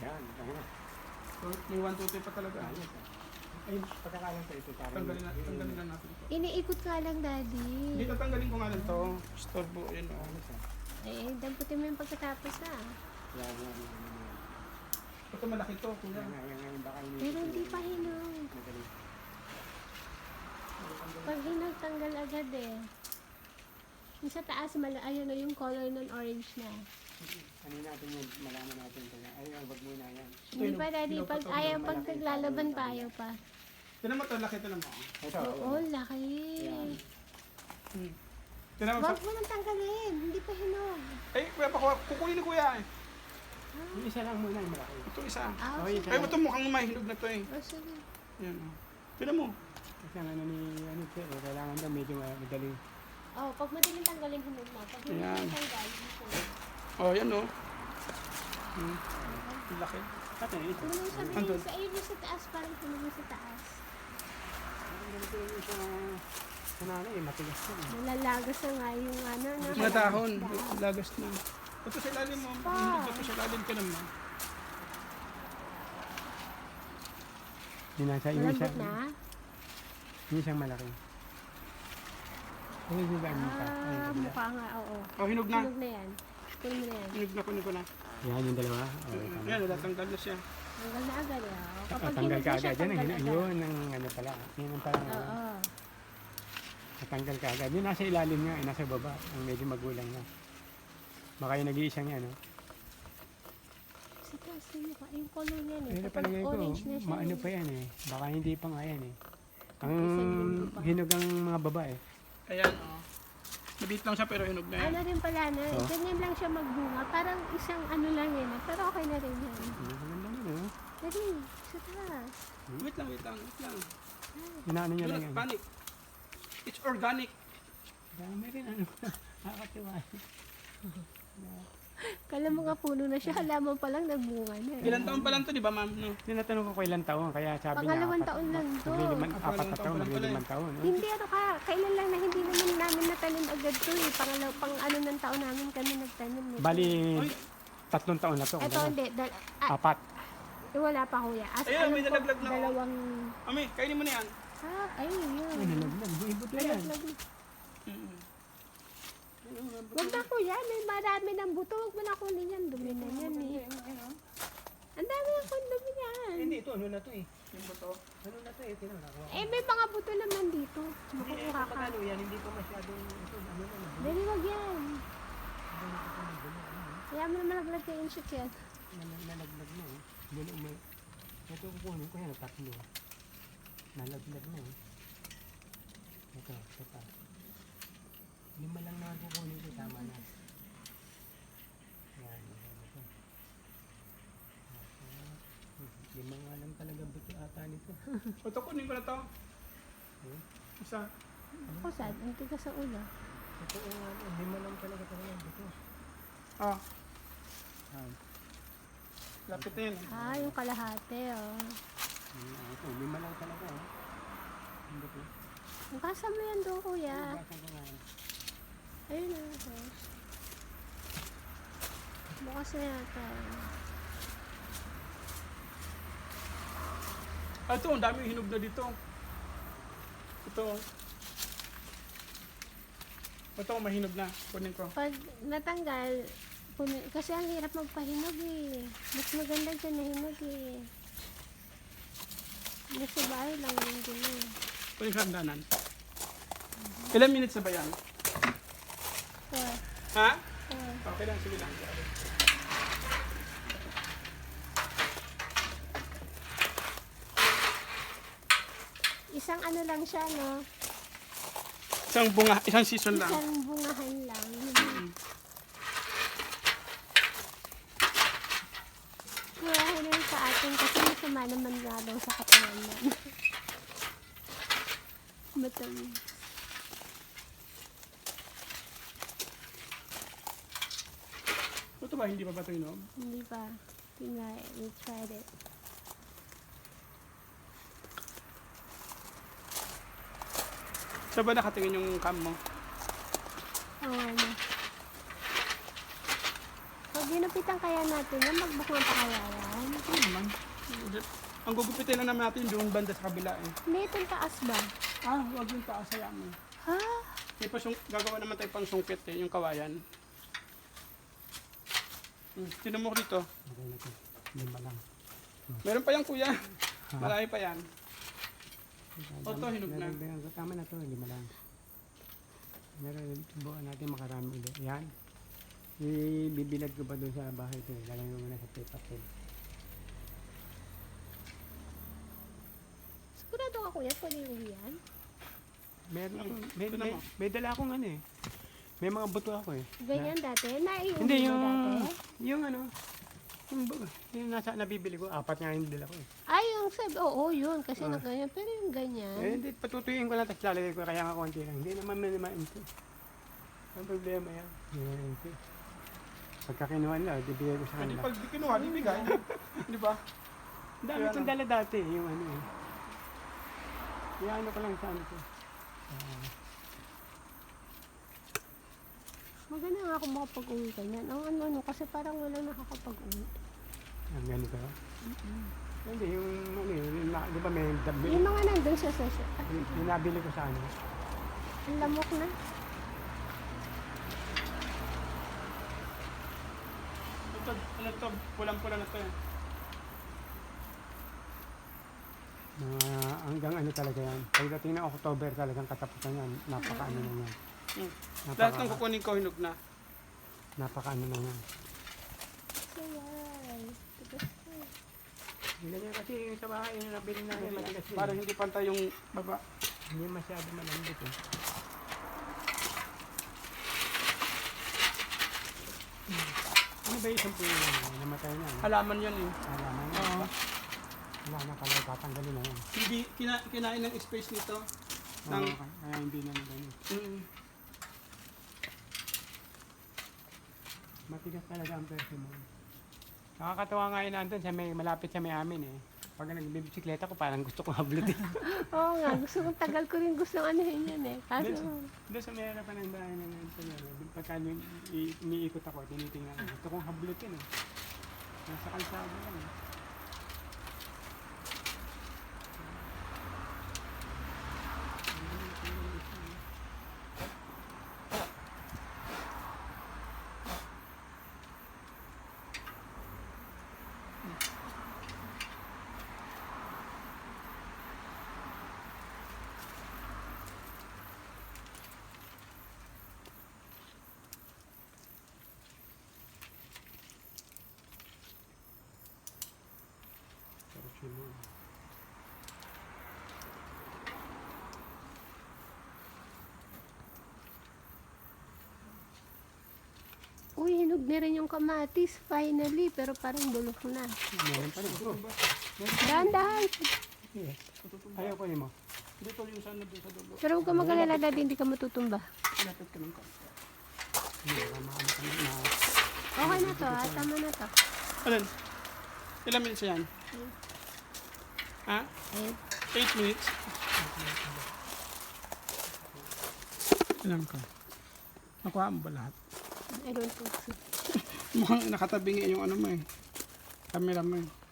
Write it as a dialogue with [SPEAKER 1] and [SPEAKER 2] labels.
[SPEAKER 1] Yan, ano.
[SPEAKER 2] So, may 1, 2, 3 pa talaga.
[SPEAKER 1] Ayos. Ay, pagkakalang sa ito.
[SPEAKER 2] Tanggalin lang natin ito.
[SPEAKER 3] Iniikot ka lang, Daddy.
[SPEAKER 2] Hindi, tatanggalin ko nga lang to. Storbo, yun o.
[SPEAKER 3] Eh, damputin mo yung pagkatapos
[SPEAKER 1] Yan.
[SPEAKER 2] Ito malaki to, kuya.
[SPEAKER 1] Yan, baka ini.
[SPEAKER 3] Pero hindi pa hinog.
[SPEAKER 1] Magaling.
[SPEAKER 3] Pag hinog, tanggal agad eh. Yung sa taas, ayun o, yung color ng orange na.
[SPEAKER 1] Ano natin yun, malaman natin. Ay, wag muna yan.
[SPEAKER 3] Hindi pa, Daddy. Pag ayaw, pag naglalaban pa, ayaw pa.
[SPEAKER 2] Tinan mo to, laki to naman.
[SPEAKER 1] Ito.
[SPEAKER 3] Oo, laki.
[SPEAKER 2] Tinan mo,
[SPEAKER 3] Huwag mo nang tanggalin. Hindi pa hinog.
[SPEAKER 2] ay, kuya, kukunin ni kuya eh.
[SPEAKER 1] Yung isa lang muna yung malaki.
[SPEAKER 2] Ito isa.
[SPEAKER 3] Ah,
[SPEAKER 1] Oh,
[SPEAKER 3] sige.
[SPEAKER 2] Ay, ito mukhang mahinog na to eh.
[SPEAKER 3] Oh, sige.
[SPEAKER 2] Yan o. Tinan mo.
[SPEAKER 1] Kasi ang ano ni, kailangan daw medyo madaling.
[SPEAKER 3] Oh, pag madaling tanggalin, hinog na. Pag hindi
[SPEAKER 2] Ayan.
[SPEAKER 3] mo tanggal, hinog.
[SPEAKER 2] Oh, yan o. Laki.
[SPEAKER 1] Ito, ito.
[SPEAKER 3] Ano mo sabihin
[SPEAKER 2] Andun.
[SPEAKER 3] sa ayun yung sa taas, parang hinog yung sa taas.
[SPEAKER 1] Ganito yung isa kunana eh, matigas na eh.
[SPEAKER 3] Malalagas na nga yung ano.
[SPEAKER 2] Mga dahon. Lagas na. Ito sa ilalim mo.
[SPEAKER 3] Pa.
[SPEAKER 2] Ito sa ilalim ka naman.
[SPEAKER 1] Yung nasa yung isa,
[SPEAKER 3] Malambot na?
[SPEAKER 1] yung isang malaki. Ay, di ba ang mukha?
[SPEAKER 3] Ah, mukha nga, oo.
[SPEAKER 2] Oh, hinog na.
[SPEAKER 3] Hinog na yan. Kunin mo na yan.
[SPEAKER 2] Kunin ko na.
[SPEAKER 1] Yan yung dalawa. Okay, tama.
[SPEAKER 2] Yan, natatanggal na siya.
[SPEAKER 3] Tanggal na agad eh. Oh.
[SPEAKER 1] Ah, tanggal
[SPEAKER 3] hinog
[SPEAKER 1] ka
[SPEAKER 3] na siya,
[SPEAKER 1] agad. Yan,
[SPEAKER 3] tanggal agad.
[SPEAKER 1] yun ang ano pala. Yun ang parang
[SPEAKER 3] Oo.
[SPEAKER 1] natanggal ka agad. Yung nasa ilalim nga, nasa baba. Ang medyo magulang na. Baka yung nag-iisang yan, no?
[SPEAKER 3] Sa taas yung mukha. Yung color niyan eh.
[SPEAKER 1] Pero
[SPEAKER 3] Kapag
[SPEAKER 1] palagay ko,
[SPEAKER 3] orange na siya.
[SPEAKER 1] maano pa yan eh. Baka hindi pa nga yan eh. Ang
[SPEAKER 3] Isang pa.
[SPEAKER 1] hinog ang mga babae.
[SPEAKER 2] Ayan, oh. Nabit lang siya pero hinog na yan.
[SPEAKER 3] Ano rin pala na,
[SPEAKER 1] Oh.
[SPEAKER 3] ganyan lang siya magbunga. Parang isang ano lang yan. Pero okay na rin yan.
[SPEAKER 1] Ang ganda nun, no?
[SPEAKER 3] Dali, sa taas.
[SPEAKER 2] Wait lang.
[SPEAKER 1] Inaano niya
[SPEAKER 2] Do
[SPEAKER 1] lang
[SPEAKER 2] not
[SPEAKER 1] yan.
[SPEAKER 2] panic. It's organic.
[SPEAKER 1] Dami rin ano. Nakakatiwa.
[SPEAKER 3] Kala mo nga puno na siya, halaman pa lang nagbunga na. eh.
[SPEAKER 2] Ilan taon pa lang to, di ba, ma'am? No?
[SPEAKER 1] Tinatanong ko ko ilang taon, kaya sabi niya
[SPEAKER 3] Pangalawang taon lang to.
[SPEAKER 1] Apat na taon, maglilimang taon. No?
[SPEAKER 3] Hindi ano ka, kailan lang na hindi naman namin natanim agad to eh. Pang ano ng taon namin kami nagtanim nito.
[SPEAKER 1] Bali,
[SPEAKER 2] Ay.
[SPEAKER 1] 3 taon na to.
[SPEAKER 3] Ito
[SPEAKER 1] Ganun.
[SPEAKER 3] hindi,
[SPEAKER 1] Apat.
[SPEAKER 3] wala pa kuya. As
[SPEAKER 2] Ayun, may
[SPEAKER 3] alam ko,
[SPEAKER 2] nalaglag na, oh.
[SPEAKER 3] dalawang,
[SPEAKER 2] Ami, kainin mo na yan.
[SPEAKER 3] ay yun.
[SPEAKER 1] Ay, nalaglag. Buibot na yan.
[SPEAKER 3] Nalaglag na. Wag na kuya, may marami ng buto. Wag mo na kunin yan, dumi na yan eh. Ang dami ng dumi yan.
[SPEAKER 1] Hindi, ito ano na to eh.
[SPEAKER 2] Yung buto.
[SPEAKER 1] Ano na to eh, tinanong.
[SPEAKER 3] Eh, may mga buto naman dito. Makukuha ka.
[SPEAKER 1] yan, hindi pa masyadong ito. Ano na.
[SPEAKER 3] Dali, wag yan. Kaya mo na malaglag kay Inshik yan.
[SPEAKER 1] Nalaglag na eh. Doon umay. Ito kukunin ko yan, 3. Nalaglag na eh. Ito pa. 5 lang naman kukunin ko, tama na. Yan, ito. 5 nga lang talaga buto ata nito.
[SPEAKER 2] Ito, kunin ko na to. Isa.
[SPEAKER 3] Ako sad, ang tigas sa ulo.
[SPEAKER 1] Ito nga, 5 lang talaga buto.
[SPEAKER 2] Ah,
[SPEAKER 1] Ah,
[SPEAKER 2] lapit na yan.
[SPEAKER 3] Ah, yung kalahati, oh.
[SPEAKER 1] ito, 5 lang talaga. Ang buto.
[SPEAKER 3] Bukasa mo yan doon, kuya.
[SPEAKER 1] Basan ko nga.
[SPEAKER 3] Ayun na, boss. Bukas na yata.
[SPEAKER 2] Ah, ito, ang dami hinog na dito. Ito. Ito, mahinog na. Kunin ko.
[SPEAKER 3] Pag natanggal, kasi ang hirap magpahinog eh. Mas maganda dyan na hinog eh. Nasa bahay lang yung gano'n.
[SPEAKER 2] Kunin ko ang danan. Ilan minutes na ba yan? Ha? Okay lang, sige lang.
[SPEAKER 3] Isang ano lang siya, no?
[SPEAKER 2] Isang bunga, isang season lang.
[SPEAKER 3] Isang bungahan lang. Kaya hinog sa atin kasi masama naman nga daw sa katawan yan. Matamis.
[SPEAKER 2] Ito ba, hindi pa ba ito hinog?
[SPEAKER 3] Hindi pa. Tingnan, we tried it.
[SPEAKER 2] Saan ba nakatingin yung cam mo?
[SPEAKER 3] Oo, ano. Pag ginupitan kaya natin yan, magbukman pa kaya yan.
[SPEAKER 2] Kasi ang gugupitin lang naman natin doon banda sa kabila eh.
[SPEAKER 3] May itong taas ba?
[SPEAKER 2] Huwag yung taas hayaan mo.
[SPEAKER 3] Ha?
[SPEAKER 2] May gagawa naman tayo pang sungkit eh, yung kawayan. Tinan mo dito.
[SPEAKER 1] Okay na to. Lima lang.
[SPEAKER 2] Meron pa yan kuya. Marami pa yan. Oto, hinog na.
[SPEAKER 1] Tama na to, lima lang. Meron, subukan natin makarami ulit. Yan. Ibibilad ko pa doon sa bahay ko. Lalagay ko muna sa paper tape.
[SPEAKER 3] Sigurado ka kuya, pwede yung yan?
[SPEAKER 1] Meron ako,
[SPEAKER 2] Ito naman.
[SPEAKER 1] may dala akong ano eh. May mga buto ako eh.
[SPEAKER 3] Ganyan dati? Naiuwi
[SPEAKER 1] Hindi,
[SPEAKER 3] mo dati?
[SPEAKER 1] yung ano, yung nasa nabibili ko, apat nga yung dala ko eh.
[SPEAKER 3] Ay, yung sabi, oo, yun. Kasi na ganyan. Pero yung ganyan.
[SPEAKER 1] Eh, hindi, patutuyuin ko lang, tapos lalagay ko, kaya nga konti lang. Hindi naman minimain ko. Ang problema yan. Minimain ko. Pagka kinuha nila, bibigay ko sa
[SPEAKER 2] Hindi
[SPEAKER 1] kanila.
[SPEAKER 2] pag di kinuha, di bigay. Di ba?
[SPEAKER 1] Ang dami kong dala dati, yung ano eh. Kaya ano ko lang sa ano ko.
[SPEAKER 3] Maganda nga ako makapag-uwi ganyan. Ang ano, kasi parang wala nakakapag-uwi.
[SPEAKER 1] Ang ganito. Hindi, yung ano yun, di ba may dabi?
[SPEAKER 3] Yung mga nandun sa
[SPEAKER 1] Yung nabili ko sa ano.
[SPEAKER 3] ang lamok na.
[SPEAKER 2] Ito, ano to, pulang-pula na to eh.
[SPEAKER 1] Hanggang ano talaga yan. Pagdating ng October talagang katapusan yan. Napaka-ano na yan.
[SPEAKER 2] Lahat ng kukunin ko hinog na.
[SPEAKER 1] Napaka-ano na yan.
[SPEAKER 3] Sayay. Tigas ko.
[SPEAKER 1] Ganyan kasi yung sa bahay yung nabili na yan. Matigas yun.
[SPEAKER 2] Para hindi pantay yung baba.
[SPEAKER 1] Hindi masyado malambot eh. Ano ba yung isang puyo na yan? Namatay na. No?
[SPEAKER 2] Halaman yan eh.
[SPEAKER 1] Alaman na.
[SPEAKER 2] Oo.
[SPEAKER 1] Wala na pala, tatanggalin na yan.
[SPEAKER 2] Hindi, kinain ng space nito.
[SPEAKER 1] Oo, kaya hindi na ganyan. Matigas talaga ang persimmon. Nakakatawa nga yun nandun sa may, malapit sa may amin eh. Pag nagbibisikleta ko parang gusto kong hablutin.
[SPEAKER 3] Oo nga, gusto kong tagal ko rin gusto anuhin yan eh. Kaso,
[SPEAKER 1] Doon sa may harapan ng bahay ng Antonio, pagka iniikot ako, tinitingnan ko. Gusto kong hablutin eh. Nasa kalsada lang eh. Persimmon.
[SPEAKER 3] uy, hinog na rin yung kamatis, finally, pero parang bulok na.
[SPEAKER 1] Meron pa rin.
[SPEAKER 3] Dahan-dahan.
[SPEAKER 1] Yes. Ayaw ko mo.
[SPEAKER 2] Dito yung sana doon sa dulo.
[SPEAKER 3] Pero huwag ka mag-alala dati, hindi ka matutumba.
[SPEAKER 2] Lapit ka ng konti.
[SPEAKER 1] Hindi ka maano ka na.
[SPEAKER 3] Okay na to, tama na to.
[SPEAKER 2] Alin? Ilang minutes yan? Ha?
[SPEAKER 3] Ayun.
[SPEAKER 2] 8 minutes? Alam ko. Nakuha mo ba lahat?
[SPEAKER 3] I don't think so.
[SPEAKER 2] Mukhang nakatabi nga yung ano mo eh. Camera mo eh.